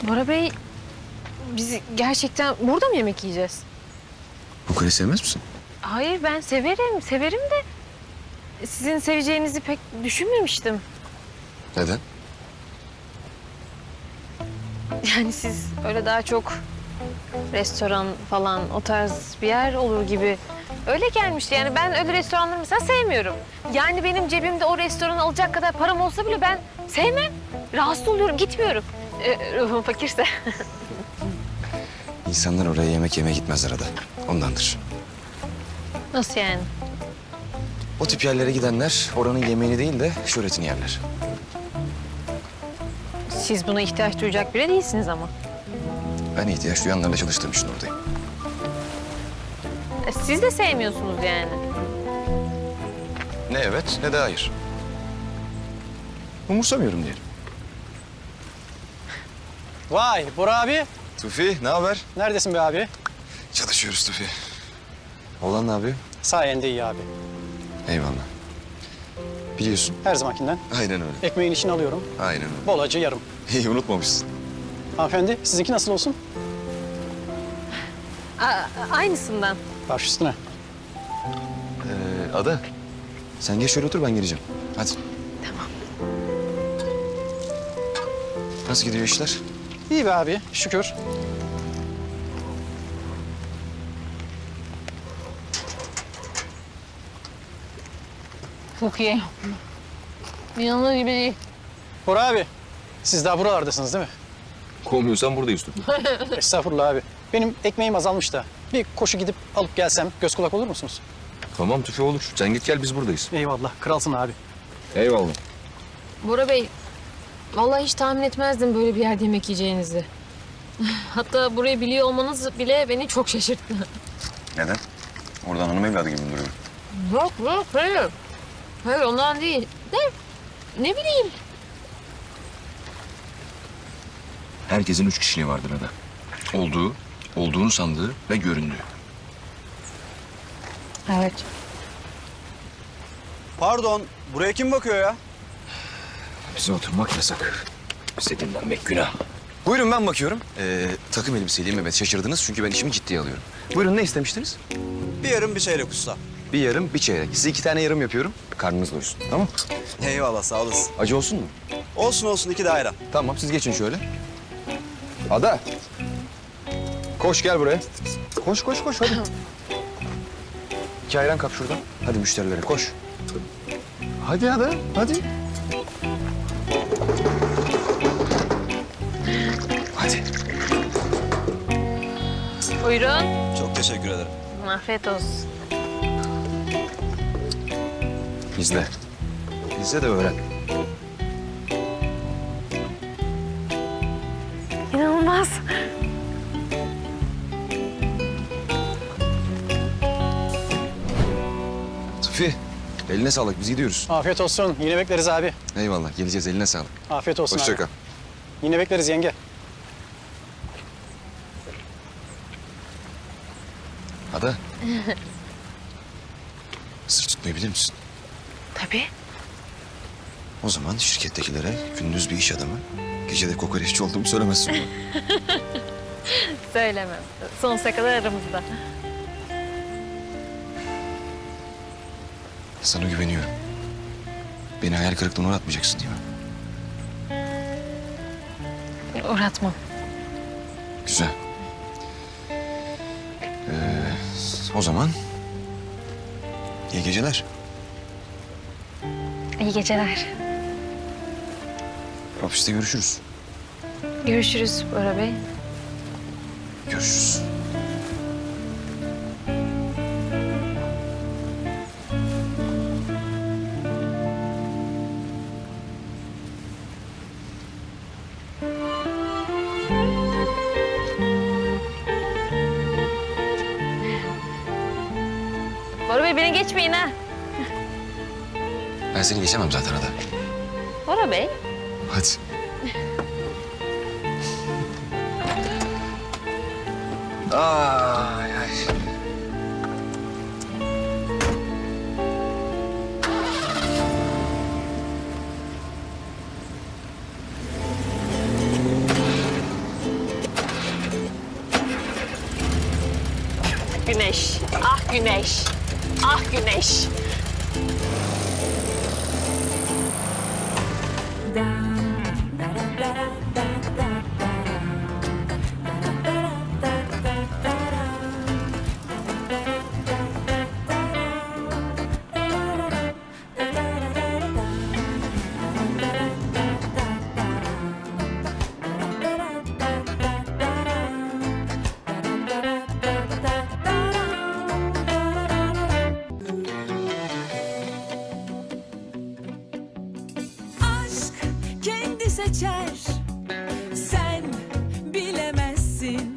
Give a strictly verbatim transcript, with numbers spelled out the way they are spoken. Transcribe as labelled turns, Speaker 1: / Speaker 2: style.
Speaker 1: Bora Bey, biz gerçekten burada mı yemek yiyeceğiz?
Speaker 2: Bu kaleyi sevmez misin?
Speaker 1: Hayır, ben severim, severim de... Sizin seveceğinizi pek düşünmemiştim.
Speaker 2: Neden?
Speaker 1: Yani siz öyle daha çok restoran falan o tarz bir yer olur gibi öyle gelmişti. Yani ben öyle restoranları mesela sevmiyorum. Yani benim cebimde o restoranı alacak kadar param olsa bile ben sevmem. Rahatsız oluyorum, gitmiyorum. Ee, ruhum fakirse.
Speaker 2: İnsanlar oraya yemek yemeye gitmezler Ada. Ondandır.
Speaker 1: Nasıl yani?
Speaker 2: O tip yerlere gidenler oranın yemeğini değil de şöhretini yerler.
Speaker 1: Siz buna ihtiyaç duyacak biri değilsiniz ama.
Speaker 2: Ben ihtiyaç duyanlarla çalıştığım için oradayım.
Speaker 1: E, Siz de sevmiyorsunuz yani.
Speaker 2: Ne evet ne de hayır. Umursamıyorum diyelim.
Speaker 3: Vay Bora abi.
Speaker 2: Tufi ne haber?
Speaker 3: Neredesin be abi?
Speaker 2: Çalışıyoruz Tufi. Oğlan ne yapıyor?
Speaker 3: Sayende iyi abi.
Speaker 2: Eyvallah. Biliyorsun.
Speaker 3: Her zamankinden.
Speaker 2: Aynen öyle.
Speaker 3: Ekmeğin işini alıyorum.
Speaker 2: Aynen öyle.
Speaker 3: Bol acı yarım.
Speaker 2: İyi unutmamışsın.
Speaker 3: Hanımefendi sizinki nasıl olsun?
Speaker 1: A- aynısından.
Speaker 3: Baş üstüne.
Speaker 2: Ee, Ada sen geç şöyle otur ben geleceğim. Hadi.
Speaker 1: Tamam.
Speaker 2: Nasıl gidiyor işler?
Speaker 3: İyi be abi şükür.
Speaker 1: Çok iyi. İnanılır gibi değil.
Speaker 3: Bora abi siz daha buralardasınız değil mi?
Speaker 2: Kovmuyorsan buradayız Tufi.
Speaker 3: Estağfurullah abi. Benim ekmeğim azalmış da. Bir koşu gidip alıp gelsem göz kulak olur musunuz?
Speaker 2: Tamam Tufi olur. Sen git gel biz buradayız.
Speaker 3: Eyvallah kralsın abi.
Speaker 2: Eyvallah.
Speaker 1: Bora Bey, vallahi hiç tahmin etmezdim böyle bir yerde yemek yiyeceğinizi. Hatta burayı biliyor olmanız bile beni çok şaşırttı.
Speaker 2: Neden? Oradan hanım evladı gibi mi duruyor?
Speaker 1: Yok yok hayır. Hayır ondan değil. De ne bileyim.
Speaker 2: Herkesin üç kişiliği vardır Ada. Olduğu, olduğunu sandığı ve göründüğü.
Speaker 1: Evet.
Speaker 4: Pardon, buraya kim bakıyor ya?
Speaker 2: Bize oturmak yasak. Bize dinlenmek günah. Buyurun ben bakıyorum. Ee, takım elbiseliyim evet şaşırdınız çünkü ben işimi ciddiye alıyorum. Buyurun ne istemiştiniz?
Speaker 4: Bir yarım bir çeyrek usta.
Speaker 2: Bir yarım bir çeyrek. Size iki tane yarım yapıyorum. Karnınız doysun tamam.
Speaker 4: Eyvallah, sağ olasın.
Speaker 2: Acı olsun mu?
Speaker 4: Olsun olsun, iki de ayran.
Speaker 2: Tamam siz geçin şöyle. Ada. Koş gel buraya. Koş koş koş hadi. İki ayran kap şuradan. Hadi müşterilere koş. Hadi Ada hadi. Hadi.
Speaker 1: Buyurun.
Speaker 4: Çok teşekkür ederim.
Speaker 1: Afiyet olsun.
Speaker 2: İzle. İzle de öğren.
Speaker 1: İnanılmaz.
Speaker 2: Tufi eline sağlık biz gidiyoruz.
Speaker 3: Afiyet olsun. Yine bekleriz abi.
Speaker 2: Eyvallah geleceğiz eline sağlık.
Speaker 3: Afiyet olsun
Speaker 2: Hoşça
Speaker 3: abi.
Speaker 2: kal.
Speaker 3: Yine bekleriz yenge.
Speaker 2: Ada. Sır tutmayı bilir misin?
Speaker 1: Tabii.
Speaker 2: O zaman şirkettekilere gündüz bir iş adamı, gece de kokoreççi olduğumu söylemezsin bana.
Speaker 1: Söylemem. Sonsuza kadar aramızda.
Speaker 2: Sana güveniyorum. Beni hayal kırıklığına uğratmayacaksın değil mi?
Speaker 1: Uğratmam.
Speaker 2: Güzel. Ee, o zaman iyi geceler.
Speaker 1: İyi geceler.
Speaker 2: Ofiste görüşürüz.
Speaker 1: Görüşürüz Bora Bey.
Speaker 2: Görüşürüz.
Speaker 1: Bora Bey beni geçmeyin ha.
Speaker 2: Ben seni geçemem zaten Ada.
Speaker 1: Bora Bey.
Speaker 2: Hadi. Ay ay.
Speaker 1: güneş, ah güneş, ah güneş.
Speaker 5: aşk kendi seçer